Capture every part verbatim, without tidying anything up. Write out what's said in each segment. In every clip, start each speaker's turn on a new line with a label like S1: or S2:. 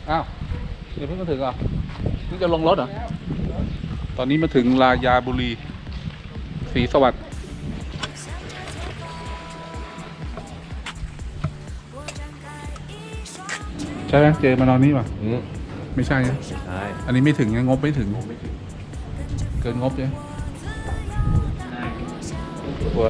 S1: อ้าวเดี๋ยวเพิ่งมาถึงเหรอเพิ่งจะลงรถเหรอตอนนี้มาถึงรายาบุรีศรีสวัสดิ์ใช่ไหมเจมานอนนี่ป่ะไม่ใช่นะใช่อันนี้ไม่ถึงงบไม่ถึงเกินงบใช่ไหมตัว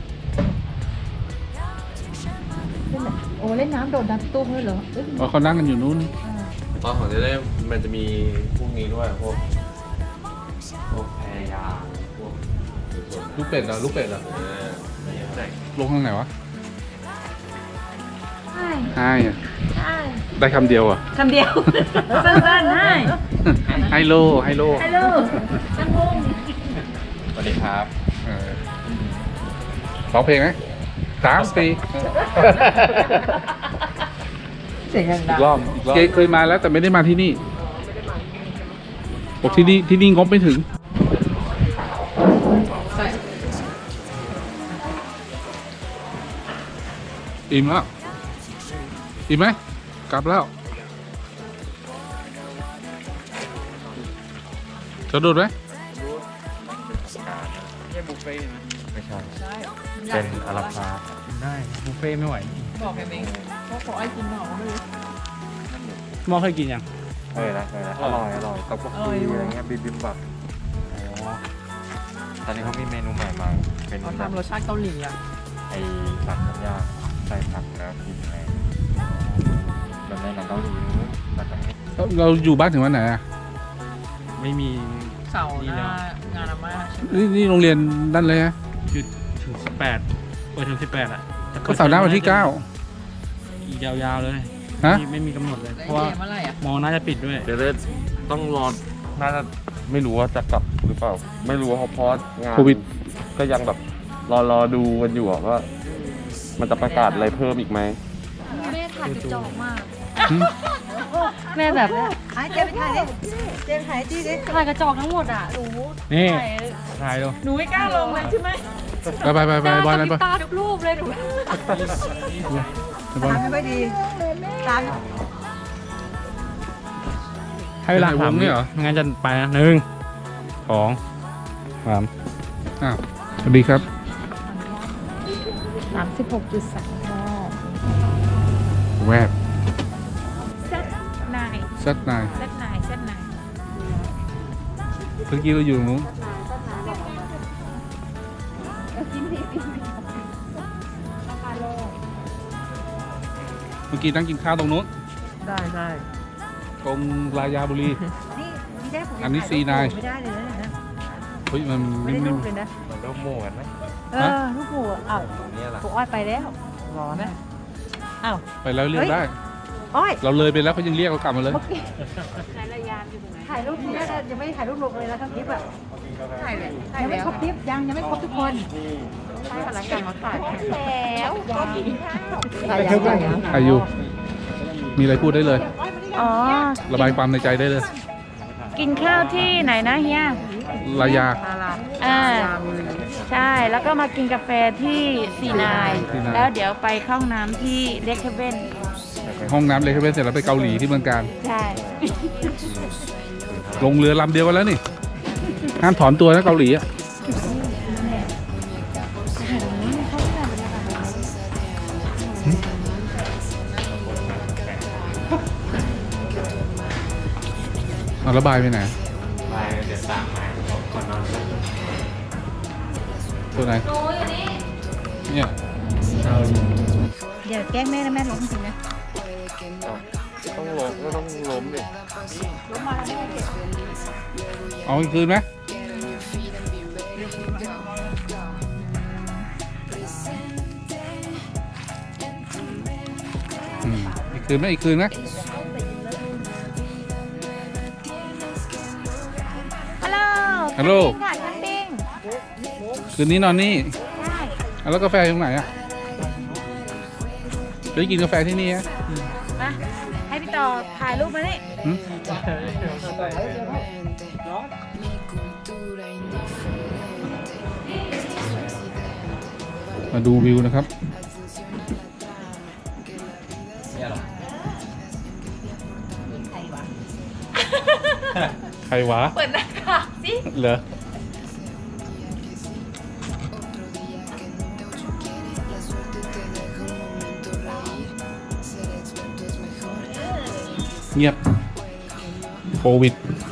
S2: โอ้เล่นน้ำโดดน้ำตุ้มเลยเหรอ
S1: อ๋อเขานั่งกันอยู่นู้น
S3: ตอนของจะได้มันจะมีพวกนี้ด้วยพวกพวกแพรยาพวก
S1: ลูกเป็ดเหรอลูกเป็ดเหรอลงทางไหนวะ
S2: ใช่
S1: ใช่
S2: ใช่
S1: ได้คำเดียวอ่ะ
S2: คำเดียวสั้นๆให้
S1: ไฮโลไฮโล
S2: ไฮโลตั้งวง
S3: สวัสดีครับ
S1: ร้องเพลงไหมสามปี
S2: เสียงดัง
S1: อีกรอบอีกรอบเคยมาแล้วแต่ไม่ได้มาที่นี่บอกที่นี่ที่นี่งบไม่ถึงอิ่มแล้วอิ่มไหมกลับแล้วจะดูดไหม
S3: ไม่บุฟเฟ่ต์ไม่ใช่เป็นอาราคาร์ท
S4: ได้บุฟเฟ่ไม่ไหว
S2: บอกแค่นี้เขาขอไอ้กินหน่อไม่รู้
S4: มอเคยกินยัง
S3: เคยแล้วเคยแล้วอร่อยอร่อยต๊อกบกกีอะไรเงี้ยบิบิมบับตอนนี้เขามีเมนูใหม่มาเป็น
S2: เขาทำรสชาติเกาหลีอ่ะ
S3: ไอ้ผักน้ำยาใส่ผักแล้วกินอะไรแบบในหนังเกาหลีแบบนี้
S1: เราอยู่บ้านถึงวันไหนอ่ะ
S4: ไม่มี
S2: เสาร์หน้างานอาม่า
S1: นี่นี่โรงเรียนนั่นเลยฮะ
S4: คือถึงสิบแปดเปิดถึงสิบแปดอ่ะ
S1: ก็เสาร์หน้าวันที่เก้า
S4: อีกยาวๆเลย
S1: ฮะ
S4: ไม่มีกำหนดเลยเพราะว่ามอน่าจะปิดด้วย
S3: เดี๋ยวต้องรอน่าจะไม่รู้ว่าจะกลับหรือเปล่าไม่รู้ว่าเพราะงานโควิดก็ยังแบบรอรอดูกันอยู่ว่ามันจะประกาศอะไรเพิ่มอีกไหม
S2: แม่ถ่ายกระจอกมากแม่แบบไอ้เจ๊ไปถ่ายดิเจ๊ไปถ่ายจี้ดิถ่ายกระจอกทั้งหมดอ่ะหนู
S4: นี่ถ่ายดู
S2: หนูไม่กล้าลงเลยใช่ไหม
S1: ไปไปไปไปบอลนั้นไป
S2: ตาทุกรูปเลยหนูตาไม่ค่อยดีตา
S4: ให้เวลาถามนี่เหรองั้นจะไปนะหนึ่งสองสาม
S1: อ้าวสวัสดีครับ
S2: สามสิบหกจุดสาม
S1: แวบ
S2: เซตนาย
S1: เซตนาย
S2: เซตนายเซตนาย
S1: เมื่อกี้เราอยู่ตรงนู้นเมื่อกี้นั่งกินข้าวตรงนู้น
S2: ได้ได้
S1: ตรงรายาบุรี
S2: นี่นี่ได้ผม
S1: อันนี้ซีนาย
S2: ไม่ได้เลยนะ
S1: เฮ้ยมัน
S2: ไม่ได้ลูกเลยนะ
S3: เหมือนลูกหมูกันไหม
S2: เออลูกหมูอ้าวผมอ้อยไปแล้วรอนะอ้าว
S1: ไปแล้วเรียกได้
S2: อ้อย
S1: เราเลยไปแล้วเขายังเรียกเรากลับมาเลย
S2: ถ่ายรายานอยู่ตรงไหนถ่ายรูปนี้ยังไม่ถ่ายรูปลงเลยนะทั้งคลิปอ่ะถ่ายเลยยังไม่ครบคลิปยังยังไม่ครบทุกคนใช่พลังการมาถ่ายแล้วก็กินข้าว
S1: อายุมีอะไรพูดได้เลย
S2: อ๋อ
S1: ระบายความในใจได้เลย
S2: กินข้าวที่ไหนนะเฮีย
S1: รายา
S2: อ่าใช่แล้วก็มากินกาแฟที่ซีนายแล้วเดี๋ยวไปเข้าห้องน้ำที่เลคเว่น
S1: ห้องน้ำเลคเว่นเสร็จแล้วไปเกาหลีที่เมืองการ
S2: ใช่
S1: ลงเรือลำเดียวกันแล้วนี่ห้ามถอนตัวนะเกาหลีอ่ะเอาระบายไปไหน
S3: ไปเดี๋ยวตามมาก่อนนอน
S1: ตัวไหนเนี่ย
S2: เดี๋ยวแกล้งแม่นะแม่ล้มจริงนะ
S3: ต้องล้มก็ต้องล้มดิ
S2: ล้มมาแล้วแม่
S1: เอาอีกคืนไหมอีกคืนไหมอีกคืนไหมฮัลโหลค่ะแคมปิ้งคืนนี้นอนนี่ใช่แล้วกาแฟอยู่ตรงไหนอ่ะไปกินกาแฟที่นี่ฮะ
S2: มาให้พี่ต่อถ่ายรูปมานี่
S1: มาดูวิวนะครับใครวะ
S2: เปิดหน้ากากสิ
S1: เหรอเงียบโควิด